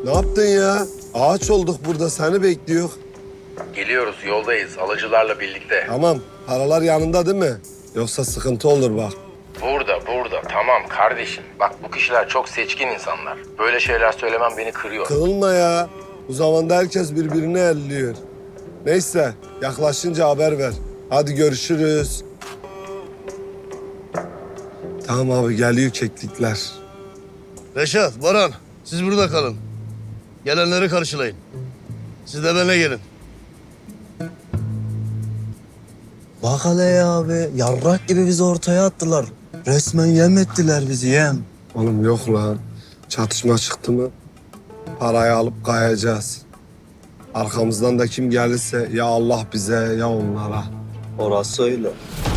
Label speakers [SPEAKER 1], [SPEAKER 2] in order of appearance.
[SPEAKER 1] Ne yaptın ya? Ağaç olduk burada, seni bekliyor.
[SPEAKER 2] Geliyoruz, yoldayız. Alıcılarla birlikte.
[SPEAKER 1] Tamam, paralar yanında değil mi? Yoksa sıkıntı olur bak.
[SPEAKER 2] Burada. Tamam kardeşim. Bak bu kişiler çok seçkin insanlar. Böyle şeyler söylemem beni kırıyor.
[SPEAKER 1] Kırılma ya. Bu zamanda herkes birbirini elliyor. Neyse, yaklaşınca haber ver. Hadi görüşürüz. Tamam abi, geliyor keklikler.
[SPEAKER 3] Reşat, Baran, siz burada kalın. Gelenleri karşılayın. Siz de benimle gelin.
[SPEAKER 4] Bak hele ya abi. Yarrak gibi bizi ortaya attılar. Resmen yem ettiler bizi yem.
[SPEAKER 1] Oğlum yok lan. Çatışma çıktı mı parayı alıp kayacağız. Arkamızdan da kim gelirse ya Allah bize ya onlara.
[SPEAKER 4] Orası öyle.